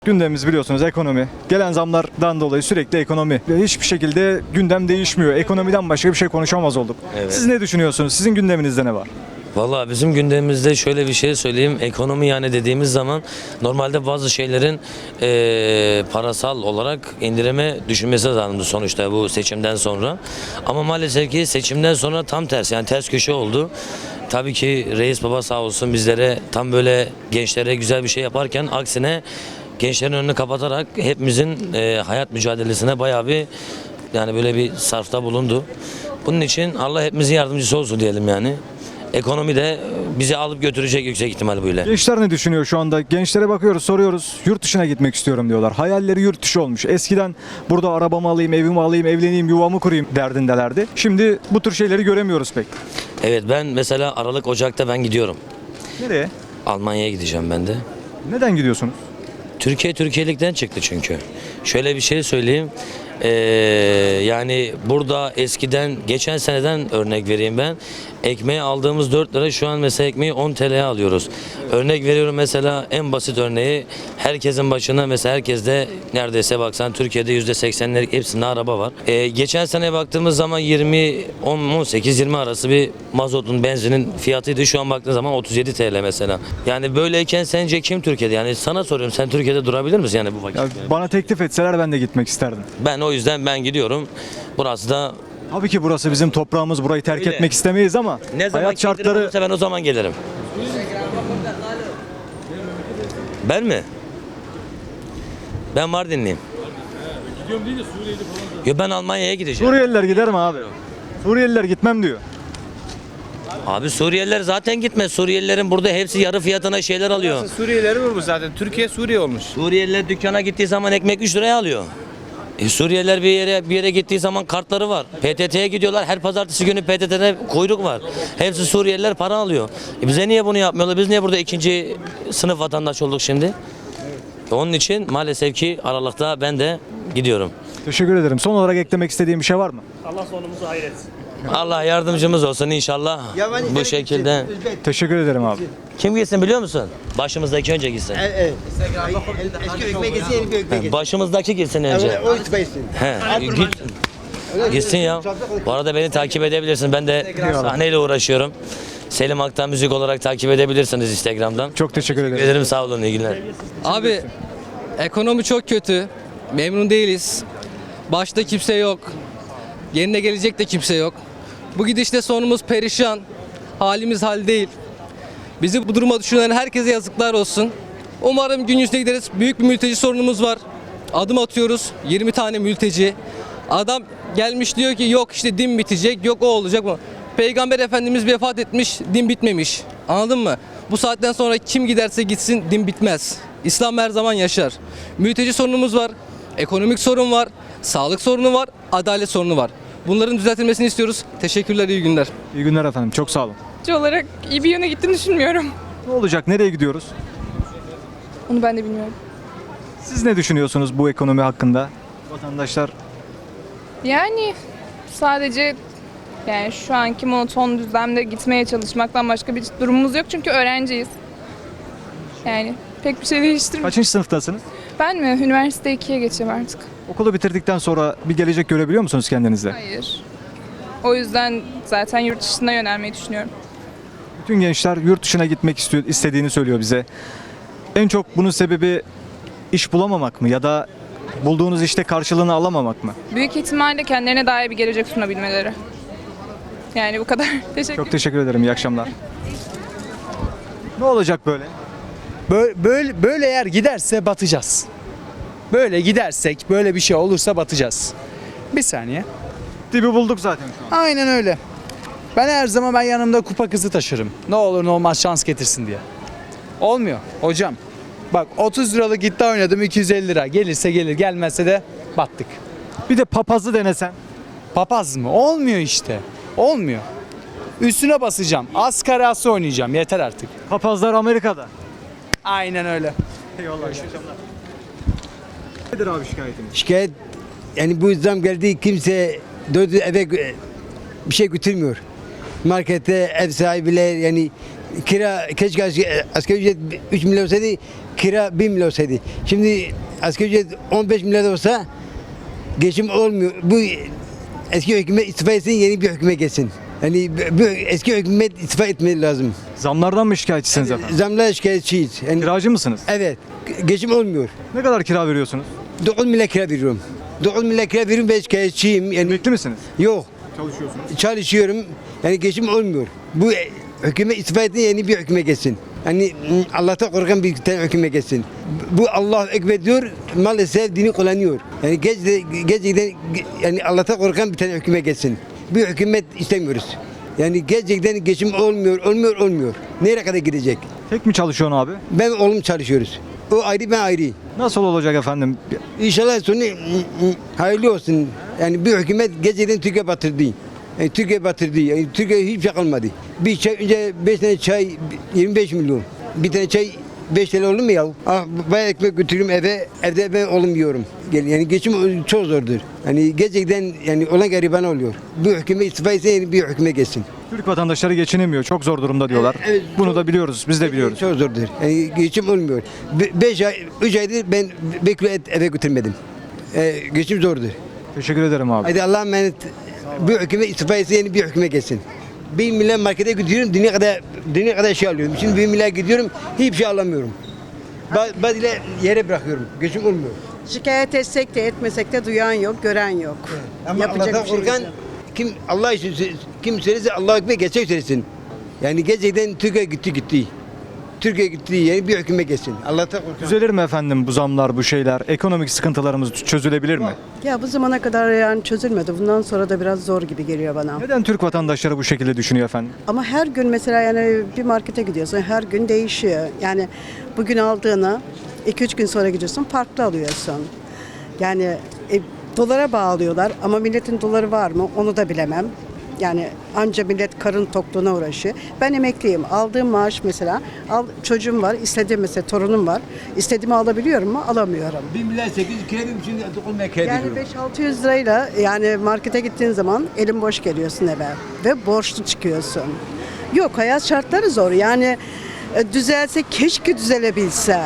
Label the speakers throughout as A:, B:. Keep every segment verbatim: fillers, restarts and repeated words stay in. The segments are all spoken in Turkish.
A: Gündemimiz biliyorsunuz ekonomi. Gelen zamlardan dolayı sürekli ekonomi. Ve hiçbir şekilde gündem değişmiyor. Ekonomiden başka bir şey konuşamaz olduk.
B: Evet.
A: Siz ne düşünüyorsunuz? Sizin gündeminizde ne var?
B: Valla bizim gündemimizde şöyle bir şey söyleyeyim. Ekonomi yani dediğimiz zaman normalde bazı şeylerin eee, parasal olarak indirime düşünmesi lazımdı sonuçta bu seçimden sonra. Ama maalesef ki seçimden sonra tam tersi yani ters köşe oldu. Tabii ki reis baba sağ olsun bizlere tam böyle gençlere güzel bir şey yaparken aksine gençlerin önünü kapatarak hepimizin eee, hayat mücadelesine bayağı bir yani böyle bir sarfta bulundu. Bunun için Allah hepimizin yardımcısı olsun diyelim yani. Ekonomi de bizi alıp götürecek yüksek ihtimal böyle.
A: Gençler ne düşünüyor şu anda? Gençlere bakıyoruz, soruyoruz. Yurt dışına gitmek istiyorum diyorlar. Hayalleri yurt dışı olmuş. Eskiden burada arabamı alayım, evimi alayım, evleneyim, yuvamı kurayım derdindelerdi. Şimdi bu tür şeyleri göremiyoruz pek.
B: Evet ben mesela Aralık Ocak'ta ben gidiyorum.
A: Nereye?
B: Almanya'ya gideceğim ben de.
A: Neden gidiyorsunuz?
B: Türkiye Türkiye'likten çıktı çünkü. Şöyle bir şey söyleyeyim. Ee, yani burada eskiden geçen seneden örnek vereyim ben. Ekmeği aldığımız dört lira şu an mesela ekmeği on T L'ye alıyoruz. Örnek veriyorum mesela en basit örneği herkesin başına mesela herkeste neredeyse baksan Türkiye'de yüzde seksenlik hepsinde araba var. Ee, geçen sene baktığımız zaman yirmi on sekiz yirmi arası bir mazotun benzinin fiyatıydı. Şu an baktığın zaman otuz yedi T L mesela. Yani böyleyken sence kim Türkiye'de? Yani sana soruyorum sen Türkiye'de durabilir misin yani bu vakit?
A: Ya bana teklif etseler ben de gitmek isterdim.
B: Ben o yüzden ben gidiyorum. Burası da
A: Tabii ki burası bizim toprağımız. Burayı terk
B: Öyle.
A: etmek istemeyiz ama
B: ne zaman
A: hayat
B: şartları
A: şartları...
B: olursa ben o zaman gelirim. Ben mi? Ben Mardinliyim.
C: Gidiyorum değil de Suriye'de falan da.
B: Yo ben Almanya'ya gideceğim.
A: Suriyeliler gider mi abi? Suriyeliler gitmem diyor.
B: Abi Suriyeliler zaten gitmez. Suriyelilerin burada hepsi yarı fiyatına şeyler alıyor.
C: Suriyelileri vurmuş zaten. Türkiye Suriye olmuş.
B: Suriyeliler dükkana gittiği zaman ekmek üç liraya alıyor. E, Suriyeliler bir yere bir yere gittiği zaman kartları var. P T T'ye gidiyorlar. Her pazartesi günü P T T'de kuyruk var. Hepsi Suriyeliler para alıyor. E, bize niye bunu yapmıyorlar? Biz niye burada ikinci sınıf vatandaş olduk şimdi? E, onun için maalesef ki Aralık'ta ben de gidiyorum.
A: Teşekkür ederim. Son olarak eklemek istediğim bir şey var mı?
D: Allah sonumuzu hayretsin.
B: Allah yardımcımız olsun inşallah. Bu şekilde.
A: Teşekkür ederim abi.
B: Kim gitsin biliyor musun? Başımızdaki önce gitsin.
E: Evet. Eski ekmek yesin, yeni bir ekmek yesin.
B: Başımızdaki gitsin önce.
E: Evet, o itibariyle.
B: He, git. Gitsin ya. Bu arada beni takip edebilirsin. Ben de sahneyle uğraşıyorum. Selim Aktan Müzik olarak takip edebilirsiniz Instagram'dan.
A: Çok teşekkür ederim.
B: Ederim sağ olun iyi günler.
F: Abi ekonomi çok kötü. Memnun değiliz. Başta kimse yok. Yerine gelecek de kimse yok. Bu gidişte sonumuz perişan. Halimiz hal değil. Bizi bu duruma düşünen herkese yazıklar olsun. Umarım gün yüzüne gideriz. Büyük bir mülteci sorunumuz var. Adım atıyoruz. yirmi tane mülteci. Adam gelmiş diyor ki yok işte din bitecek, yok o olacak mı? Peygamber Efendimiz vefat etmiş, din bitmemiş. Anladın mı? Bu saatten sonra kim giderse gitsin din bitmez. İslam her zaman yaşar. Mülteci sorunumuz var. Ekonomik sorun var. Sağlık sorunu var. Adalet sorunu var. Bunların düzeltilmesini istiyoruz. Teşekkürler, iyi günler.
A: İyi günler efendim. Çok sağ olun.
G: olarak iyi bir yöne gittiğini düşünmüyorum.
A: Ne olacak? Nereye gidiyoruz?
G: Onu ben de bilmiyorum.
A: Siz ne düşünüyorsunuz bu ekonomi hakkında? Vatandaşlar
G: Yani sadece yani şu anki monoton düzlemde gitmeye çalışmaktan başka bir durumumuz yok çünkü öğrenciyiz. Yani pek bir şey değiştirmiyor.
A: kaçıncı sınıftasınız?
G: Ben mi? Üniversite ikiye geçeceğim artık.
A: Okulu bitirdikten sonra bir gelecek görebiliyor musunuz kendinizde?
G: Hayır. O yüzden zaten yurt dışına yönelmeyi düşünüyorum.
A: Bütün gençler yurt dışına gitmek istiyor, istediğini söylüyor bize. En çok bunun sebebi iş bulamamak mı ya da bulduğunuz işte karşılığını alamamak mı?
G: Büyük ihtimalle kendilerine daha iyi bir gelecek sunabilmeleri. Yani bu kadar. Teşekkür
A: Çok teşekkür ederim. İyi akşamlar. Ne olacak böyle?
H: Böyle, böyle, böyle eğer giderse batacağız. Böyle gidersek, böyle bir şey olursa batacağız. Bir saniye.
A: Dibi bulduk zaten şu an.
H: Aynen öyle. Ben her zaman ben yanımda kupa kızı taşırım. Ne olur ne olmaz şans getirsin diye. Olmuyor hocam. Bak otuz liralık iddia oynadım iki yüz elli lira. Gelirse gelir, gelmezse de battık.
A: Bir de papazı denesen.
H: Papaz mı? Olmuyor işte. Olmuyor. Üstüne basacağım. Askarası oynayacağım. Yeter artık.
A: Papazlar Amerika'da.
H: Aynen öyle.
A: Eyvallah. Nedir abi şikayetiniz?
E: Şikayet yani bu zam geldi kimse dördü eve gö- bir şey götürmüyor. Markette ev sahibiyle yani kira keşke as- asgari ücret üç milyon olsaydı kira bir milyar olsaydı. Şimdi asgari ücret on beş milyar olsa geçim olmuyor. Bu eski hükümet istifa etsin, yeni bir hükümet gelsin. Yani bu eski hükümet istifa etmesi lazım.
A: Zamlardan mı şikayetçisiniz efendim?
E: Zamlara şikayetçiyiz. Yani,
A: Kiracı mısınız?
E: evet, geçim olmuyor.
A: Ne kadar kira veriyorsunuz?
E: dokuz milyar kira veriyorum. dokuz milyar kira veriyorum, ben şikayetçiyim. Yani
A: Emekli misiniz?
E: yok,
A: Çalışıyorsunuz.
E: çalışıyorum. Yani geçim olmuyor. Bu e, hükümet istifa etsin, yeni bir hükümet gelsin. Yani m, Allah'tan korkan bir tane hükümet gelsin. Bu Allah ekber diyor, maalesef dini kullanıyor. Yani geç, gerçekten yani Allah'tan korkan bir tane hükümet gelsin. Bir hükümet istemiyoruz. Yani gerçekten geçim olmuyor, olmuyor, olmuyor. Nereye kadar gidecek?
A: Tek mi çalışıyorsun abi?
E: Ben oğlum çalışıyoruz. O ayrı, ben ayrı.
A: Nasıl olacak efendim?
E: İnşallah sonu mm, mm, hayırlı olsun. Yani bir hükümet gerçekten Türkiye batırdı. Yani Türkiye batırdı. Yani Türkiye hiçbir şey kalmadı. Bir çay önce beş tane çay yirmi beş milyon. Bir tane çay beş TL olur mu ya? Ah, bayağı ekmek götürüyorum eve. Evde ben oğlum yiyorum. Yani geçim çok zordur. Yani gerçekten yani olan gariban oluyor. Bu hükümet istifa etse yeni bir hükümet geçsin.
A: Türk vatandaşları geçinemiyor. Çok zor durumda diyorlar.
E: Evet, evet,
A: Bunu
E: çok-
A: da biliyoruz. Biz de biliyoruz.
E: Çok zordur. Yani geçim olmuyor. Be- beş ay, üç aydır ben bir kilo et eve götürmedim. Ee, geçim zordur.
A: Teşekkür ederim abi.
E: Hadi Allah'a emanet. Bu hükümet istifa etse yeni bir hükümet gelsin. Bir milyar markete gidiyorum, dünya kadar dünya kadar şey alıyorum. Şimdi bir milyar gidiyorum, hiçbir şey alamıyorum. Ba- Bazı yere bırakıyorum. Geçim olmuyor.
D: Şikayet etsek de etmesek de duyan yok, gören yok.
E: Ama
D: Yapacak
E: Allah'tan
D: bir şey
E: korkan
D: yok.
E: kim Allah için sö- kim söylerse Allah ekber gerçek söylesin. Yani gerçekten Türkiye gitti gitti. Türkiye gitti yani bir hükümet gelsin. Allah'tan korkan.
A: Düzelir mi efendim bu zamlar, bu şeyler? Ekonomik sıkıntılarımız çözülebilir mi?
D: Ya bu zamana kadar yani çözülmedi. Bundan sonra da biraz zor gibi geliyor bana.
A: Neden Türk vatandaşları bu şekilde düşünüyor efendim?
D: Ama her gün mesela yani bir markete gidiyorsun, her gün değişiyor. Yani bugün aldığını iki üç gün sonra gidiyorsun, farklı alıyorsun. Yani e, dolara bağlıyorlar ama milletin doları var mı onu da bilemem. Yani anca millet karın tokluğuna uğraşıyor. Ben emekliyim. Aldığım maaş mesela, al, çocuğum var, istediğim mesela torunum var. İstediğimi alabiliyorum mu? Alamıyorum.
E: Bir milyar sekiz yüz kere bir şimdi dokuz milyar kere
D: Yani beş altı yüz lirayla yani markete gittiğin zaman elin boş geliyorsun eve ve borçlu çıkıyorsun. Yok, hayat şartları zor. Yani e, düzelse, keşke düzelebilse.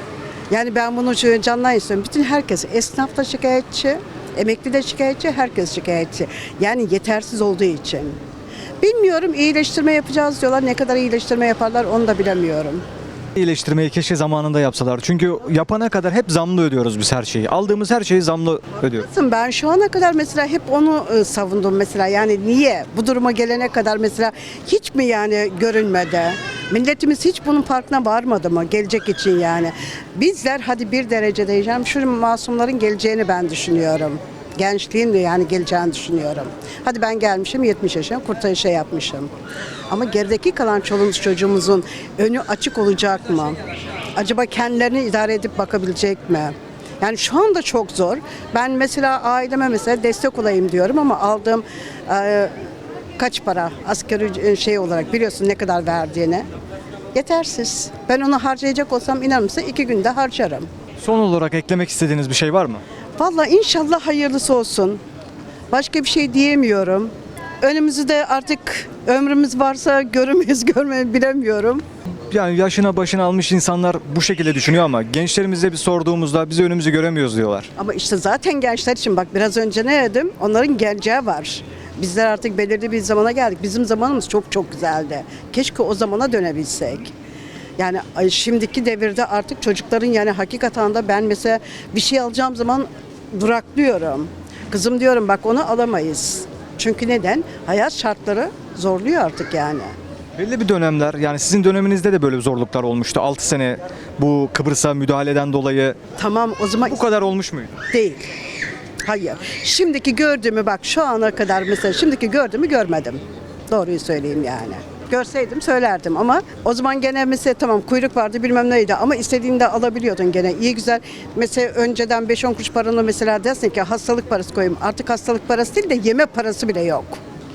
D: Yani ben bunu şöyle candan istiyorum. Bütün herkes, esnaf da şikayetçi, emekli de şikayetçi, herkes şikayetçi. Yani yetersiz olduğu için. Bilmiyorum, iyileştirme yapacağız diyorlar. Ne kadar iyileştirme yaparlar onu da bilemiyorum.
A: İyileştirmeyi keşke zamanında yapsalar. Çünkü yapana kadar hep zamlı ödüyoruz biz her şeyi. Aldığımız her şeyi zamlı ödüyoruz.
D: Ben şu ana kadar mesela hep onu e, savundum mesela. Yani niye bu duruma gelene kadar mesela hiç mi yani görünmedi? Milletimiz hiç bunun farkına varmadı mı gelecek için yani? Bizler hadi bir derece diyeceğim şu masumların geleceğini ben düşünüyorum. Gençliğin de yani geleceğini düşünüyorum. Hadi ben gelmişim yetmiş yaşına kurtarış şey yapmışım. Ama gerideki kalan çoluğumuz çocuğumuzun önü açık olacak mı? Acaba kendilerini idare edip bakabilecek mi? Yani şu anda çok zor. Ben mesela aileme mesela destek olayım diyorum ama aldığım e, kaç para asgari şey olarak biliyorsun ne kadar verdiğini. Yetersiz. Ben onu harcayacak olsam inanır mısın iki günde harcarım.
A: Son olarak eklemek istediğiniz bir şey var mı?
D: Vallahi inşallah hayırlısı olsun. Başka bir şey diyemiyorum. Önümüzde artık ömrümüz varsa görürüz görmeyi bilemiyorum.
A: Yani yaşına başına almış insanlar bu şekilde düşünüyor ama gençlerimize bir sorduğumuzda biz önümüzü göremiyoruz diyorlar.
D: Ama işte zaten gençler için bak biraz önce ne dedim? Onların geleceği var. Bizler artık belirli bir zamana geldik. Bizim zamanımız çok çok güzeldi. Keşke o zamana dönebilsek. Yani ay, şimdiki devirde artık çocukların yani hakikaten de ben mesela bir şey alacağım zaman duraklıyorum. Kızım diyorum bak onu alamayız. Çünkü neden? Hayat şartları zorluyor artık yani.
A: Belli bir dönemler yani sizin döneminizde de böyle zorluklar olmuştu. altı sene bu Kıbrıs'a müdahaleden dolayı
D: Tamam o zaman
A: bu kadar olmuş muydu?
D: değil. Hayır. Şimdiki gördüğümü bak şu ana kadar mesela şimdiki gördüğümü görmedim. Doğruyu söyleyeyim yani. Görseydim söylerdim ama o zaman gene mesela tamam kuyruk vardı bilmem neydi ama istediğinde alabiliyordun gene iyi güzel. Mesela önceden beş on kuruş paranı mesela dersin ki hastalık parası koyayım. Artık hastalık parası değil de yeme parası bile yok.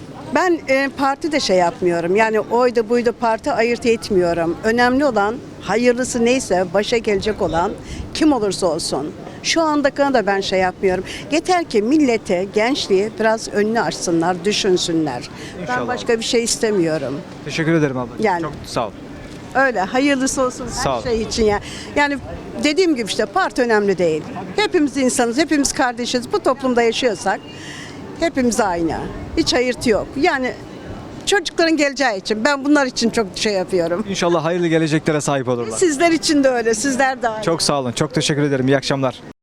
D: Ben e, parti de şey yapmıyorum yani oydu buydu parti ayırt etmiyorum. Önemli olan hayırlısı neyse başa gelecek olan kim olursa olsun. Şu andakine da ben şey yapmıyorum. Yeter ki millete, gençliği biraz önünü açsınlar, düşünsünler.
A: İnşallah.
D: Ben başka bir şey istemiyorum.
A: Teşekkür ederim abla.
D: Yani.
A: Çok sağ ol.
D: Öyle hayırlısı olsun
A: Sağ ol.
D: her şey için ya. Yani dediğim gibi işte parti önemli değil. Hepimiz insanız, hepimiz kardeşiz. Bu toplumda yaşıyorsak hepimiz aynı. Hiç ayırtı yok. Yani çocukların geleceği için ben bunlar için çok şey yapıyorum.
A: İnşallah hayırlı geleceklere sahip olurlar.
D: Sizler için de öyle. Sizler de aynı.
A: Çok sağ olun. Çok teşekkür ederim. İyi akşamlar.